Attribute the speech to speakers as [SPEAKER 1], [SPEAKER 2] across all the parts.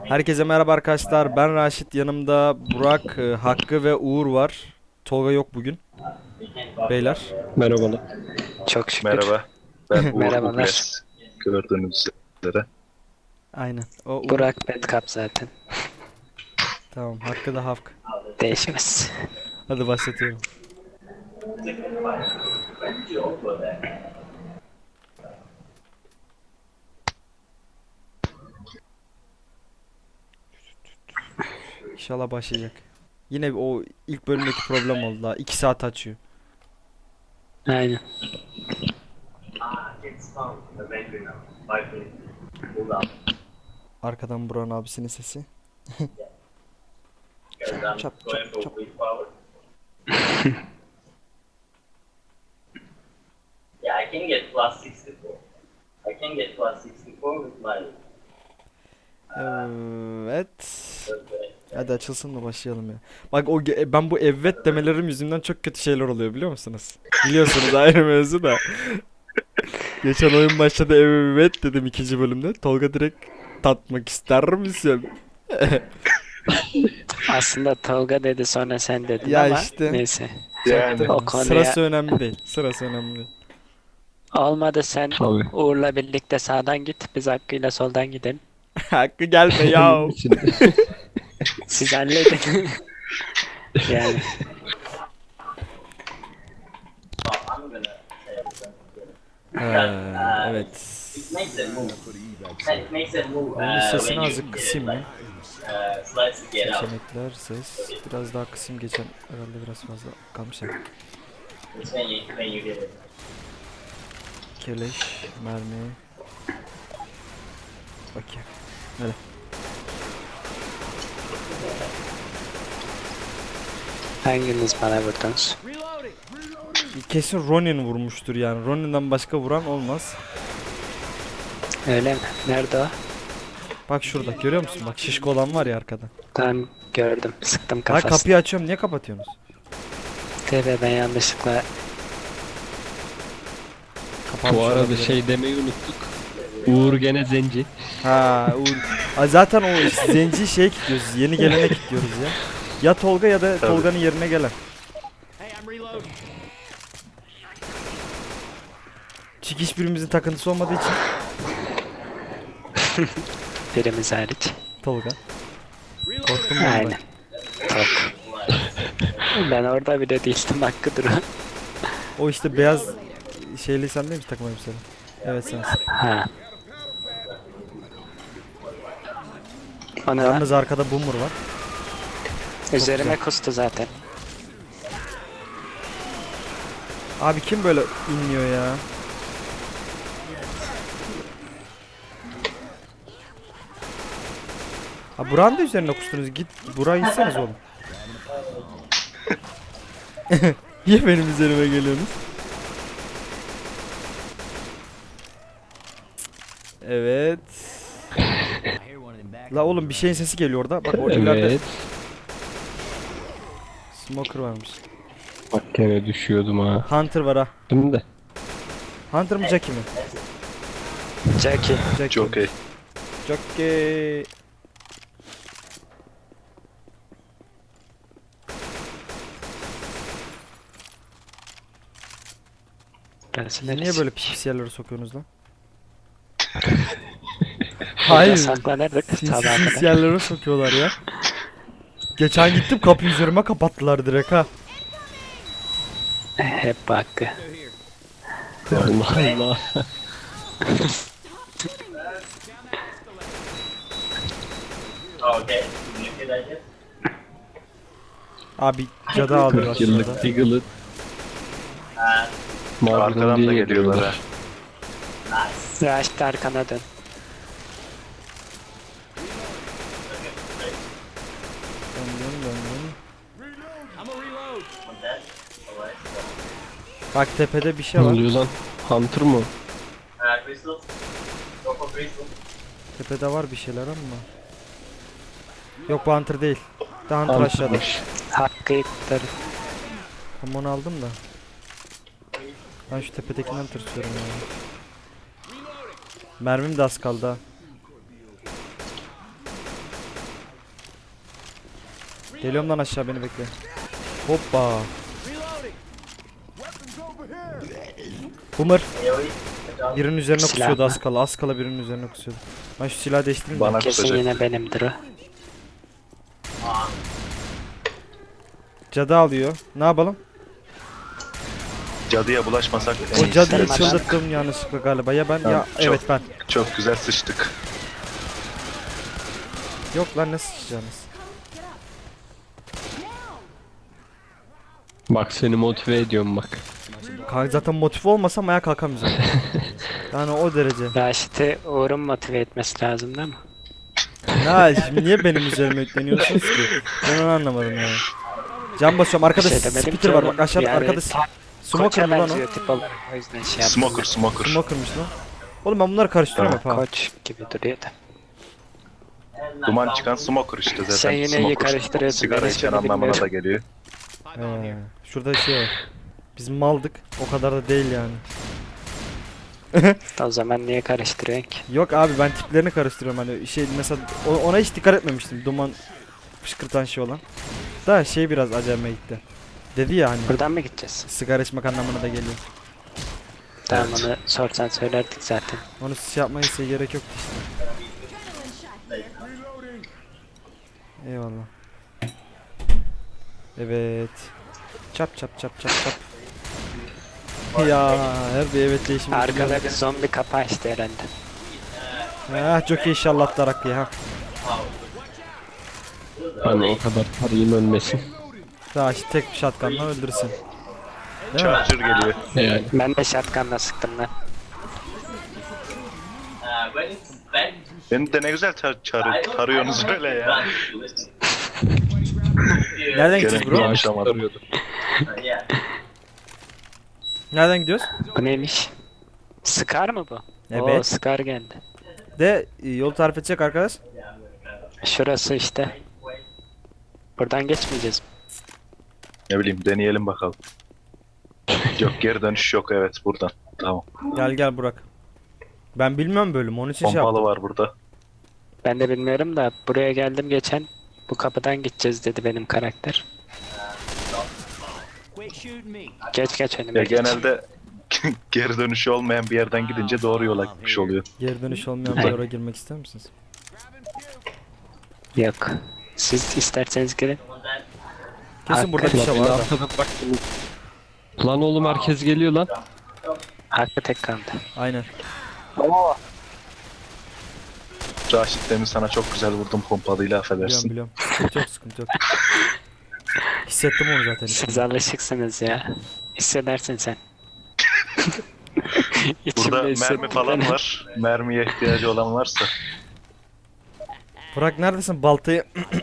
[SPEAKER 1] Herkese merhaba arkadaşlar. Ben Raşit. Yanımda Burak, Hakkı ve Uğur var. Tolga yok bugün. Beyler.
[SPEAKER 2] Merhabalar.
[SPEAKER 3] Çok şükür.
[SPEAKER 4] Merhaba, ben Uğur
[SPEAKER 3] Merhabalar.
[SPEAKER 4] Ugles. Gördüğünüz üzere.
[SPEAKER 1] Aynen. O Uğur.
[SPEAKER 3] Burak Bedkap zaten.
[SPEAKER 1] Tamam. Hakkı da Hafk.
[SPEAKER 3] Değişmez.
[SPEAKER 1] Hadi başlatıyorum. İnşallah başlayacak. Yine o ilk bölümdeki problem oldu daha. 2 saat açıyor.
[SPEAKER 3] Aynen.
[SPEAKER 1] Arkadan Burak'ın abisinin sesi. Çap çap çap çap.
[SPEAKER 5] Yeah, I can get plus 64. I can get plus 64 with my
[SPEAKER 1] Evet. Hadi açılsın da başlayalım ya. Bak ben bu evet demelerim yüzünden çok kötü şeyler oluyor biliyor musunuz? Biliyorsunuz ayrı mevzu da. Geçen oyun başladı evet dedim ikinci bölümde. Tolga direkt tatmak ister misin?
[SPEAKER 3] Aslında Tolga dedi sonra sen dedin
[SPEAKER 1] Ya
[SPEAKER 3] ama
[SPEAKER 1] işte.
[SPEAKER 3] neyse.
[SPEAKER 4] Yani
[SPEAKER 3] O konuya
[SPEAKER 1] Sırası önemli değil. Sırası önemli değil.
[SPEAKER 3] olmadı sen
[SPEAKER 2] Tabii.
[SPEAKER 3] Uğur'la birlikte sağdan git. Biz Hakkı'yla soldan gidelim.
[SPEAKER 1] Hakkı gelme ya.
[SPEAKER 3] Siz halledin. Yani
[SPEAKER 5] I'm gonna
[SPEAKER 1] Evet.
[SPEAKER 5] it makes it move. It makes it move
[SPEAKER 1] Oyunun sesini
[SPEAKER 5] when you
[SPEAKER 1] azıcık kısayım mı?
[SPEAKER 5] slides to get out.
[SPEAKER 1] Seçenekler, ses. Biraz daha kısayım geçen herhalde biraz fazla kalmış ya.
[SPEAKER 5] It's when you get it.
[SPEAKER 1] Keleş, mermi. Okey. Hadi.
[SPEAKER 3] hanginiz bana vurdunuz?
[SPEAKER 1] Kesin Ronin vurmuştur yani. Ronin'den başka vuran olmaz.
[SPEAKER 3] Öyle mi? Nerede o?
[SPEAKER 1] Bak şurada görüyor musun? Bak şişko olan var ya arkada.
[SPEAKER 3] Tam gördüm. Sıktım
[SPEAKER 1] Ha
[SPEAKER 3] kafasına.
[SPEAKER 1] kapıyı açıyorum. Niye kapatıyorsunuz?
[SPEAKER 3] Tabii ben yanlışlıkla
[SPEAKER 1] Kapanmış
[SPEAKER 2] Bu arada
[SPEAKER 1] olabilir.
[SPEAKER 2] şey demeyi unuttuk. Uğur gene zenci.
[SPEAKER 1] Ha, zaten o zenci şeye kilitliyoruz. Yeni gelene kilitliyoruz ya. Ya Tolga ya da Tolga'nın yerine gelen. Çünkü hiçbirimizin takıntısı olmadığı için
[SPEAKER 3] birimiz hariç.
[SPEAKER 1] Tolga. Korktum ben.
[SPEAKER 3] Aynen. Çok. Ben orada bile değildim Hakkı duru.
[SPEAKER 1] O işte beyaz şeyli sen değil mi takım elbiseli? Evet sensin.
[SPEAKER 3] Ha. O ne lan?
[SPEAKER 1] Yalnız arkada boomer var.
[SPEAKER 3] Üzerime kustu zaten.
[SPEAKER 1] Abi kim böyle inmiyor ya? Ha Burak'ın da üzerine kustunuz. Git Burak'ı inseniz oğlum. Niye benim üzerime geliyorsunuz? Evet. La oğlum bir şeyin sesi geliyor orada. Bak orada ileride
[SPEAKER 2] Evet.
[SPEAKER 1] smoker varmış.
[SPEAKER 2] Bak gene düşüyordum ha.
[SPEAKER 1] Hunter var ha.
[SPEAKER 2] Şimdi de.
[SPEAKER 1] Hunter mı Jackie mi?
[SPEAKER 3] Jackie.
[SPEAKER 1] Jackie.
[SPEAKER 4] çok iyi.
[SPEAKER 1] Jackie.
[SPEAKER 3] Burası
[SPEAKER 1] Siz niye
[SPEAKER 3] neresi?
[SPEAKER 1] böyle pis pis yerlere sokuyorsunuz lan?
[SPEAKER 3] Burada
[SPEAKER 1] Hayır.
[SPEAKER 3] saklanırdık sabaha
[SPEAKER 1] Sinsiz
[SPEAKER 3] kadar.
[SPEAKER 1] yerlere sokuyorlar ya. Geçen gittim kapıyı üzerime kapattılar direkt ha.
[SPEAKER 3] Hep bu Hakkı.
[SPEAKER 2] Allah Allah.
[SPEAKER 5] Oh, okay. You get that yet?
[SPEAKER 1] Abi cadı ağlıyor
[SPEAKER 2] 40
[SPEAKER 1] aşağıda.
[SPEAKER 2] yıllık Diggle'ı
[SPEAKER 4] Arkadan da geliyorlar ha.
[SPEAKER 5] Nice.
[SPEAKER 3] Raşit arkana dön.
[SPEAKER 1] Döndüm döndüm.
[SPEAKER 5] Want that? Alright.
[SPEAKER 1] Bak tepede bir şey
[SPEAKER 2] Ne
[SPEAKER 1] var.
[SPEAKER 2] oluyor lan? Hunter mı?
[SPEAKER 5] Crystal. Go for crystal.
[SPEAKER 1] Tepede var bir şeyler ama. Yok bu Hunter değil. Daha Hunter aşağıda.
[SPEAKER 2] Hunter'mış.
[SPEAKER 3] Hakkı'yı kurtarın.
[SPEAKER 1] Tam onu aldım da. Ben şu tepedekinden tırsıyorum ya. Mermim de az kaldı ha. Geliyorum lan aşağı, beni bekle. Hoppa. Boomer. Birinin üzerine
[SPEAKER 3] Silah
[SPEAKER 1] kusuyordu
[SPEAKER 3] mı?
[SPEAKER 1] az kala. Az kala birinin üzerine kusuyordu. Ben şu silahı değiştireyim de.
[SPEAKER 4] Bana
[SPEAKER 3] Kesin
[SPEAKER 4] kusacak.
[SPEAKER 3] yine benimdir o.
[SPEAKER 1] Cadı alıyor. Ne yapalım?
[SPEAKER 4] Cadıya bulaşmasak en
[SPEAKER 1] O
[SPEAKER 4] iyisi.
[SPEAKER 1] cadıyı
[SPEAKER 3] Sen-
[SPEAKER 1] çıldırttım yanlışlıkla galiba. Ya ben
[SPEAKER 4] Tamam,
[SPEAKER 1] ya
[SPEAKER 4] çok-
[SPEAKER 1] evet ben.
[SPEAKER 4] Çok güzel sıçtık.
[SPEAKER 1] Yok lan, ne sıçacağınız?
[SPEAKER 2] Bak seni motive ediyorum bak.
[SPEAKER 1] Kanka zaten motive olmasam ayağa kalkamayacağım. Yani o derece.
[SPEAKER 3] Raşit'i Uğur'un motive etmesi lazım değil mi?
[SPEAKER 1] Ya şimdi niye benim üzerime yükleniyorsunuz ki? Ben onu anlamadım yani. Can basıyorum. Arkada
[SPEAKER 3] Bir şey demedim
[SPEAKER 1] spitter
[SPEAKER 3] ki
[SPEAKER 1] var
[SPEAKER 3] oğlum.
[SPEAKER 1] bak aşağıda,
[SPEAKER 3] Yani
[SPEAKER 1] arkada
[SPEAKER 3] tam
[SPEAKER 1] smoker
[SPEAKER 3] Koç'a
[SPEAKER 1] mı lan o?
[SPEAKER 3] benziyor tip olarak, o yüzden şey yaptım.
[SPEAKER 4] Smoker.
[SPEAKER 1] Smoker'mış lan. Oğlum ben bunları karıştırıyorum hep ha.
[SPEAKER 3] Koç gibi duruyor da.
[SPEAKER 4] Duman çıkan smoker işte zaten.
[SPEAKER 3] Sen yine iyi
[SPEAKER 4] Smoker.
[SPEAKER 3] karıştırıyorsun,
[SPEAKER 4] Sigara
[SPEAKER 3] ben
[SPEAKER 4] içen
[SPEAKER 3] hiçbirini
[SPEAKER 4] anlamına
[SPEAKER 3] bilmiyorum.
[SPEAKER 4] da geliyor.
[SPEAKER 1] Şurada şey var. Biz maldık. O kadar da değil yani.
[SPEAKER 3] O zaman niye karıştırıyorsun ki?
[SPEAKER 1] Yok abi, ben tiplerini karıştırıyorum hani şey mesela ona hiç dikkat etmemiştim, duman fışkırtan şey olan. Da şey biraz acayime gitti. Dedi ya hani
[SPEAKER 3] Buradan mı gideceğiz?
[SPEAKER 1] sigara içmek anlamına da geliyor.
[SPEAKER 3] Tamam,
[SPEAKER 4] Evet.
[SPEAKER 3] onu sorsan söylerdik zaten.
[SPEAKER 1] Onu şey yapmaya size gerek yoktu işte. Eyvallah. Evet. Çap çap çap çap çap. Ya her bir evet değişimi.
[SPEAKER 3] Arkada bir zombi kapı açtı herhalde.
[SPEAKER 1] Ah çok iyi inşallah Darak ya. Ha.
[SPEAKER 2] Hani o kadar tarayayım ölmesin.
[SPEAKER 1] Daha işte tek bir shotgunla öldürsün. Değil mi?
[SPEAKER 4] Charger geliyor.
[SPEAKER 2] Yani
[SPEAKER 3] Ben de shotgun'la sıktım lan.
[SPEAKER 5] When it's bad,
[SPEAKER 4] Beni de ne güzel tarıyorsunuz öyle ya.
[SPEAKER 1] Nereden
[SPEAKER 4] Gene
[SPEAKER 1] gideceğiz bro?
[SPEAKER 4] konuşamadım.
[SPEAKER 2] tarıyordu.
[SPEAKER 5] Yeah.
[SPEAKER 1] Nereden gidiyoruz?
[SPEAKER 3] Bu neymiş? Scar mı bu? Oo,
[SPEAKER 1] Evet.
[SPEAKER 3] Scar geldi.
[SPEAKER 1] De yol tarif edecek arkadaş.
[SPEAKER 3] Şurası işte. Buradan geçmeyeceğiz.
[SPEAKER 4] Ne bileyim deneyelim bakalım. Yok geri dönüş yok, evet buradan. Tamam.
[SPEAKER 1] Gel gel Burak. Ben bilmiyorum bölüm, onun için şey
[SPEAKER 4] Pompalı
[SPEAKER 1] yaptım.
[SPEAKER 4] var burada.
[SPEAKER 3] Ben de bilmiyorum da buraya geldim geçen. Bu kapıdan gideceğiz dedi benim karakter. Geç geç önüme
[SPEAKER 4] Ya
[SPEAKER 3] geç.
[SPEAKER 4] genelde geri dönüşü olmayan bir yerden gidince doğru yola gitmiş oluyor.
[SPEAKER 1] Geri dönüş olmayan bir
[SPEAKER 3] Hayır.
[SPEAKER 1] yere girmek ister misiniz?
[SPEAKER 3] Yok. Siz isterseniz girin.
[SPEAKER 1] Kesin burada bir
[SPEAKER 2] Lan
[SPEAKER 1] şey
[SPEAKER 2] beni
[SPEAKER 1] var da.
[SPEAKER 2] arkada bıraktın. Lan oğlum herkes geliyor lan.
[SPEAKER 3] Hakkı tek kaldı.
[SPEAKER 1] Aynen.
[SPEAKER 4] Raşit demin sana çok güzel vurdum pompalıyla,
[SPEAKER 1] Biliyorum
[SPEAKER 4] affedersin.
[SPEAKER 1] biliyorum. Sıkıntı yok sıkıntı yok. Hissettim onu zaten.
[SPEAKER 3] Siz alışıksınız ya. Hissedersin sen. İçimde
[SPEAKER 4] Burada mermi
[SPEAKER 3] hissettim
[SPEAKER 4] falan
[SPEAKER 3] ben.
[SPEAKER 4] var. Mermiye ihtiyacı olan varsa.
[SPEAKER 1] Burak neredesin? Baltayı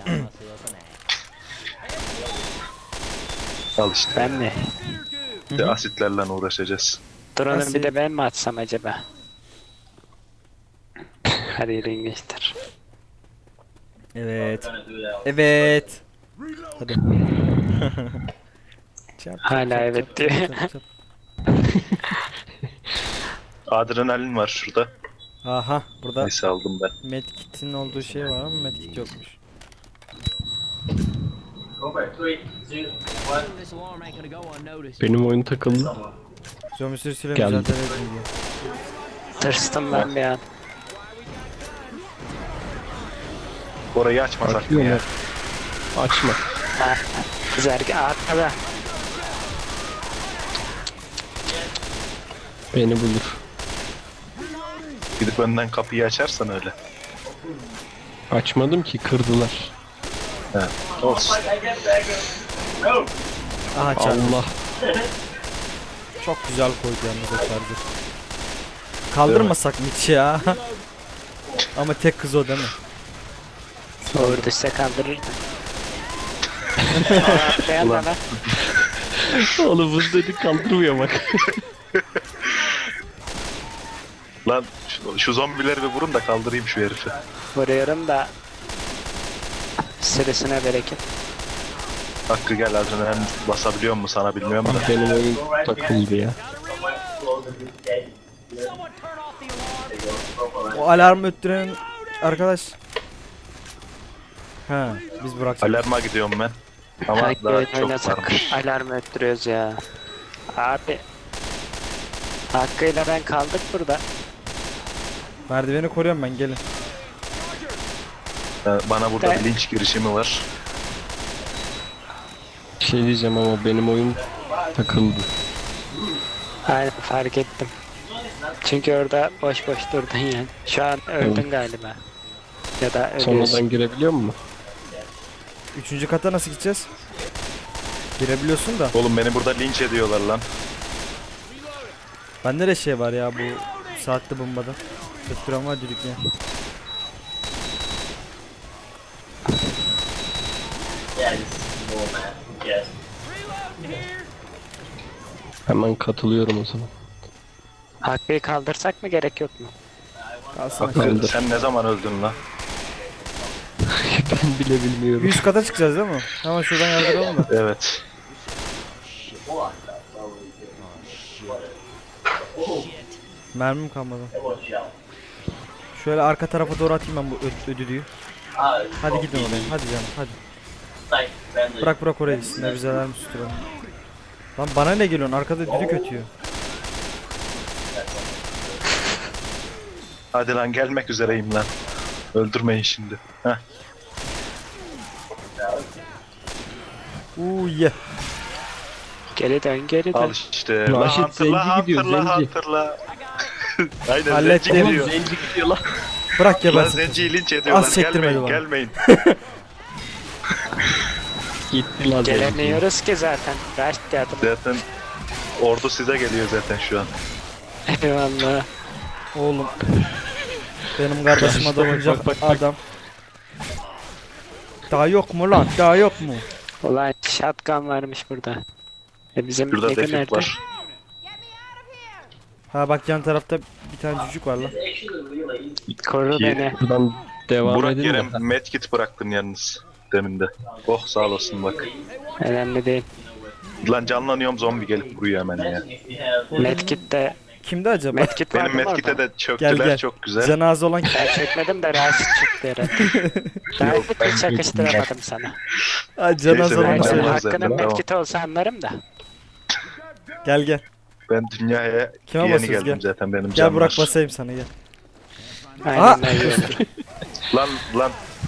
[SPEAKER 4] Al işte.
[SPEAKER 3] Ben mi?
[SPEAKER 4] Bir de asitlerle uğraşacağız.
[SPEAKER 3] Dur onu
[SPEAKER 1] Nasıl?
[SPEAKER 3] bir de ben mi atsam acaba? Hadi yürüyün geçtir.
[SPEAKER 1] Evet.
[SPEAKER 5] Gonna do that.
[SPEAKER 1] Evet. Hadi. Çap,
[SPEAKER 3] Hala
[SPEAKER 1] çap,
[SPEAKER 3] evet
[SPEAKER 1] çap,
[SPEAKER 3] diyor.
[SPEAKER 1] çap, çap.
[SPEAKER 4] Adrenalin var şurada.
[SPEAKER 1] Aha burada
[SPEAKER 4] Neyse aldım ben.
[SPEAKER 1] medkit'in olduğu şey var ama medkit yokmuş.
[SPEAKER 5] Over 3, 2, 1.
[SPEAKER 2] Benim oyun takıldı.
[SPEAKER 1] Zombi sürüsüyle
[SPEAKER 2] Geldim.
[SPEAKER 1] mücadele edin diyor.
[SPEAKER 3] Tırstım ben bir an.
[SPEAKER 4] Orayı açmasak mı
[SPEAKER 2] Açmıyor
[SPEAKER 4] ya?
[SPEAKER 2] mu? Açma.
[SPEAKER 3] Ha. Zergi arkada.
[SPEAKER 2] Beni bulur.
[SPEAKER 4] Gidip önden kapıyı açarsan öyle.
[SPEAKER 2] Açmadım ki, kırdılar.
[SPEAKER 4] He. Olsun.
[SPEAKER 5] I get dagger. No!
[SPEAKER 1] Aha çarptı.
[SPEAKER 2] Allah.
[SPEAKER 1] Çok güzel koydu yalnız o charger. Kaldırmasak mı hiç ya? Ama tek kız o değil mi?
[SPEAKER 3] Uğur düşse kaldırırdı. Atlayan da
[SPEAKER 4] Ulan.
[SPEAKER 3] lan.
[SPEAKER 2] Oğlum bunu dedi kaldırmıyor bak.
[SPEAKER 4] Lan şu zombileri bir vurun da kaldırayım şu herifi.
[SPEAKER 3] Vuruyorum da sürüsüne bereket.
[SPEAKER 4] Hakkı gel, adrenalin basabiliyor mu sana bilmiyorum da.
[SPEAKER 2] Benim oyun takıldı ya.
[SPEAKER 5] Someone close this gate. There you go. Go for it.
[SPEAKER 1] O alarm öttüren arkadaş. He, biz bıraktık.
[SPEAKER 4] Alarma gidiyorum ben. Ama
[SPEAKER 3] Hangi
[SPEAKER 4] daha
[SPEAKER 3] oyun
[SPEAKER 4] çok
[SPEAKER 3] oynasak
[SPEAKER 4] varmış.
[SPEAKER 3] alarm öttürüyoruz ya. Abi. Hakkıyla ben kaldık burada.
[SPEAKER 1] Merdiveni koruyorum ben, gelin.
[SPEAKER 4] Bana burada
[SPEAKER 3] Ben-
[SPEAKER 4] bir linç girişimi var.
[SPEAKER 2] Bir şey diyeceğim ama benim oyun takıldı.
[SPEAKER 3] Aynen fark ettim. Çünkü orada boş boş durdun yani. Şu an öldün galiba. Ya da ölüyorsun.
[SPEAKER 2] Sonradan girebiliyor mu?
[SPEAKER 1] 3. kata nasıl gideceğiz? Girebiliyorsun da.
[SPEAKER 4] Oğlum beni burada linç ediyorlar lan.
[SPEAKER 1] Bende de şey var ya bu saatli bombada. Tutturan var düdük ya.
[SPEAKER 5] Yeah, this is more man. Yes.
[SPEAKER 2] Hemen katılıyorum o zaman.
[SPEAKER 3] Hakkıyı kaldırsak mı gerek yok mu?
[SPEAKER 1] Alsana.
[SPEAKER 4] Hakkı,
[SPEAKER 2] Kaldır.
[SPEAKER 4] sen ne zaman öldün lan?
[SPEAKER 2] Ben bile bilmiyorum.
[SPEAKER 1] 100 kata çıkacağız değil mi? Hemen şuradan yardıralım da.
[SPEAKER 4] Evet.
[SPEAKER 1] Mermim kalmadı.
[SPEAKER 5] Watch out.
[SPEAKER 1] Şöyle arka tarafa doğru atayım ben bu ödülüyü.
[SPEAKER 5] Ah,
[SPEAKER 1] Hadi gidin oraya. Hadi canım hadi.
[SPEAKER 5] like friendly.
[SPEAKER 1] Bırak oraya gitsin. Ne bizeler mi susturalım. Lan bana ne geliyorsun? Arkada düdük ötüyor.
[SPEAKER 4] Hadi lan gelmek üzereyim lan. Öldürmeyin şimdi. Heh.
[SPEAKER 1] Yeah.
[SPEAKER 3] Geri dön geri dön.
[SPEAKER 4] Al işte.
[SPEAKER 2] Raşit
[SPEAKER 4] La
[SPEAKER 2] Zenci gidiyor,
[SPEAKER 4] hatırla,
[SPEAKER 2] Zenci.
[SPEAKER 4] hatırla. Aynen
[SPEAKER 1] Hallettim.
[SPEAKER 4] Zenci geliyor.
[SPEAKER 2] Zenci gidiyor lan.
[SPEAKER 1] Bırak
[SPEAKER 4] Lan
[SPEAKER 1] gebersin.
[SPEAKER 4] Zenci'yi linç ediyorlar.
[SPEAKER 1] Az çektirmedi
[SPEAKER 4] Gelmeyin,
[SPEAKER 1] bana.
[SPEAKER 4] gelmeyin.
[SPEAKER 2] Gitti lan Zenci.
[SPEAKER 3] Gelemiyoruz ki zaten. Raşit yardım.
[SPEAKER 4] Zaten ordu size geliyor zaten şu an.
[SPEAKER 3] Eyvallah.
[SPEAKER 1] Oğlum. Benim kardeşim adam olacak adam. Daha yok mu lan? Daha yok mu?
[SPEAKER 3] Ulan shotgun varmış burada. Bizim
[SPEAKER 4] Şurada
[SPEAKER 3] Ego
[SPEAKER 4] defik
[SPEAKER 3] nerede?
[SPEAKER 4] var.
[SPEAKER 1] Ha bak yan tarafta bir tane cücük var lan.
[SPEAKER 5] It's actually really easy.
[SPEAKER 3] Koru beni.
[SPEAKER 2] Buradan devam
[SPEAKER 4] Burak
[SPEAKER 2] edin
[SPEAKER 4] yere
[SPEAKER 2] de.
[SPEAKER 4] medkit bıraktın yalnız. Demin de. Oh sağ olasın bak.
[SPEAKER 3] Önemli değil.
[SPEAKER 4] Lan canlanıyorum zombi gelip vuruyor hemen ya.
[SPEAKER 5] Imagine if you have
[SPEAKER 3] Medkit de
[SPEAKER 1] Kimdi acaba?
[SPEAKER 3] medkit var
[SPEAKER 4] Benim
[SPEAKER 3] mı
[SPEAKER 4] medkite
[SPEAKER 3] orada?
[SPEAKER 4] de çöktüler
[SPEAKER 1] Gel, gel.
[SPEAKER 4] çok güzel.
[SPEAKER 1] Cenaze olan
[SPEAKER 3] Ben çekmedim de Raşit çıktı herhalde. Daha
[SPEAKER 4] Yok, ben
[SPEAKER 3] bir çakıştıramadım sana.
[SPEAKER 1] Ha, cenaze
[SPEAKER 4] Neyse,
[SPEAKER 1] olan
[SPEAKER 4] ben
[SPEAKER 3] Raşit
[SPEAKER 1] söyle.
[SPEAKER 4] de-
[SPEAKER 3] hakkının
[SPEAKER 4] Tamam.
[SPEAKER 3] medkit olsa anlarım da.
[SPEAKER 1] Gel gel.
[SPEAKER 4] Ben dünyaya
[SPEAKER 1] Kime
[SPEAKER 4] yeni
[SPEAKER 1] basıyoruz,
[SPEAKER 4] geldim
[SPEAKER 1] gel.
[SPEAKER 4] zaten benim
[SPEAKER 1] Gel
[SPEAKER 4] canım
[SPEAKER 1] Burak
[SPEAKER 4] var.
[SPEAKER 1] basayım sana gel.
[SPEAKER 3] Aynen öyle olur.
[SPEAKER 4] Lan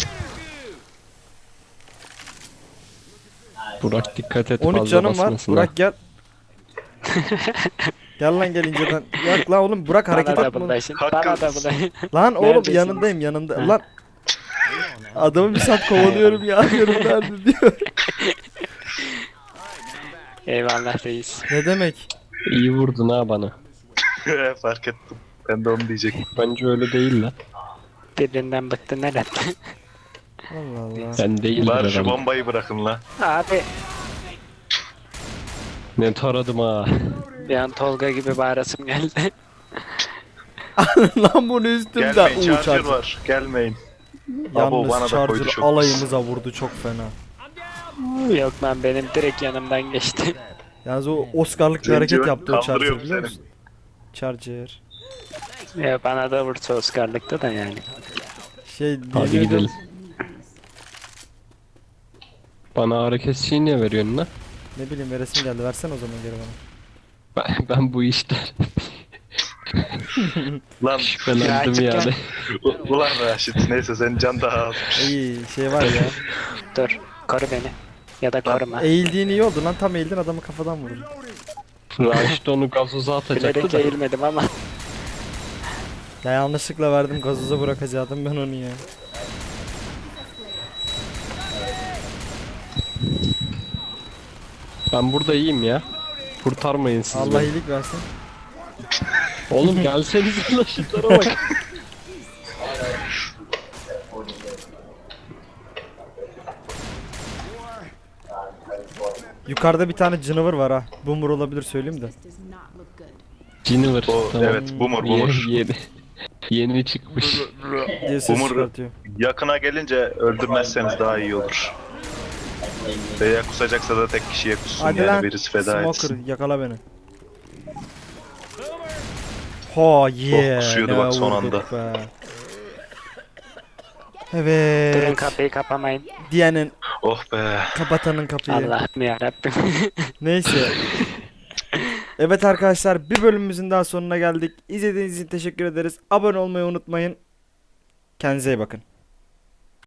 [SPEAKER 2] Burak dikkat et
[SPEAKER 1] 13
[SPEAKER 2] fazla
[SPEAKER 1] canım var.
[SPEAKER 2] basmasın ha.
[SPEAKER 1] Burak gel. Gel lan gel inceden. Yok lan oğlum Burak hareket
[SPEAKER 3] Bana da
[SPEAKER 1] etme.
[SPEAKER 3] bulaşın.
[SPEAKER 4] Hakkın-
[SPEAKER 3] Bana da bulaşın.
[SPEAKER 1] Lan oğlum
[SPEAKER 3] Neredesiniz?
[SPEAKER 1] yanındayım yanında.
[SPEAKER 3] Ha.
[SPEAKER 1] Lan. Adamı bir saat kovalıyorum ya. Diyorum nerede diyor.
[SPEAKER 3] Eyvallah reis.
[SPEAKER 1] Ne demek?
[SPEAKER 2] İyi vurdun ha bana.
[SPEAKER 4] fark ettim. Ben de onu diyecektim.
[SPEAKER 2] Bence öyle değil lan.
[SPEAKER 3] Birinden bıktın herhalde.
[SPEAKER 1] Allah Allah.
[SPEAKER 2] Ben değildir
[SPEAKER 4] Bari şu
[SPEAKER 2] herhalde.
[SPEAKER 4] bombayı bırakın la.
[SPEAKER 3] Abi
[SPEAKER 2] Ne taradım ha.
[SPEAKER 3] bir an Tolga gibi bağırasım geldi.
[SPEAKER 1] Lan bunu üstümde.
[SPEAKER 4] Gelmeyin
[SPEAKER 1] Uuu
[SPEAKER 4] charger
[SPEAKER 1] charger.
[SPEAKER 4] var. Gelmeyin. Abo, bana
[SPEAKER 1] Yalnız
[SPEAKER 4] da koydu
[SPEAKER 1] charger
[SPEAKER 4] çok
[SPEAKER 1] alayımıza vurdu çok fena.
[SPEAKER 3] Yok lan benim direkt yanımdan geçti.
[SPEAKER 1] Yalnız o Oscar'lık bir
[SPEAKER 4] Zenci
[SPEAKER 1] hareket yaptı o
[SPEAKER 4] kaldırıyor
[SPEAKER 1] charger
[SPEAKER 4] mu
[SPEAKER 1] biliyor
[SPEAKER 4] seni?
[SPEAKER 1] musun? Charger.
[SPEAKER 3] Ya bana da vursa Oscar'lıkta da yani.
[SPEAKER 1] Şey
[SPEAKER 2] Hadi
[SPEAKER 1] diyordum,
[SPEAKER 2] gidelim. Bana ağrı kesiciyi niye veriyorsun lan?
[SPEAKER 1] Ne bileyim veresim geldi. Versene o zaman geri bana.
[SPEAKER 2] Ben bu işte
[SPEAKER 4] Lan
[SPEAKER 2] şüphelendim
[SPEAKER 3] Birazcık
[SPEAKER 2] yani.
[SPEAKER 4] ulan Raşit neyse senin can daha az.
[SPEAKER 1] İyi şey var ya.
[SPEAKER 3] Dur koru beni. Ya da koruma.
[SPEAKER 1] Eğildiğin iyi oldu lan. Tam eğildin adamı kafadan vurdun.
[SPEAKER 2] Raşit onu gazoza atacaktı
[SPEAKER 3] Bilerek
[SPEAKER 2] da.
[SPEAKER 3] eğilmedim ama.
[SPEAKER 1] Ya yanlışlıkla verdim gazoza bırakacaktım ben onu ya.
[SPEAKER 2] Ben burada iyiyim ya. Kurtarmayın siz
[SPEAKER 1] Allah
[SPEAKER 2] beni.
[SPEAKER 1] iyilik versin.
[SPEAKER 2] Oğlum gelsenize lan şunlara bak.
[SPEAKER 1] Yukarıda bir tane canavar var ha. Boomer olabilir söyleyeyim de.
[SPEAKER 2] Ciniver.
[SPEAKER 4] O, evet, boomer, boomer.
[SPEAKER 2] Yeni çıkmış.
[SPEAKER 1] Diye ses
[SPEAKER 4] Boomer
[SPEAKER 1] çıkartıyor.
[SPEAKER 4] yakına gelince öldürmezseniz daha iyi olur. Veya kusacaksa da tek kişiye kussun
[SPEAKER 1] Hadi
[SPEAKER 4] yani
[SPEAKER 1] lan.
[SPEAKER 4] birisi feda
[SPEAKER 1] Smoker
[SPEAKER 4] etsin.
[SPEAKER 1] yakala beni. Ha yeah.
[SPEAKER 4] kusuyordu
[SPEAKER 1] ne
[SPEAKER 4] bak son
[SPEAKER 1] vurduk
[SPEAKER 4] anda.
[SPEAKER 1] be.
[SPEAKER 3] Durun
[SPEAKER 1] Evet.
[SPEAKER 3] kapıyı kapamayın.
[SPEAKER 1] Diyenin
[SPEAKER 4] Oh be.
[SPEAKER 1] kapatanın kapıyı.
[SPEAKER 3] Allah'ım yarabbim.
[SPEAKER 1] Neyse. Evet arkadaşlar, bir bölümümüzün daha sonuna geldik. İzlediğiniz için teşekkür ederiz. Abone olmayı unutmayın. Kendinize iyi bakın.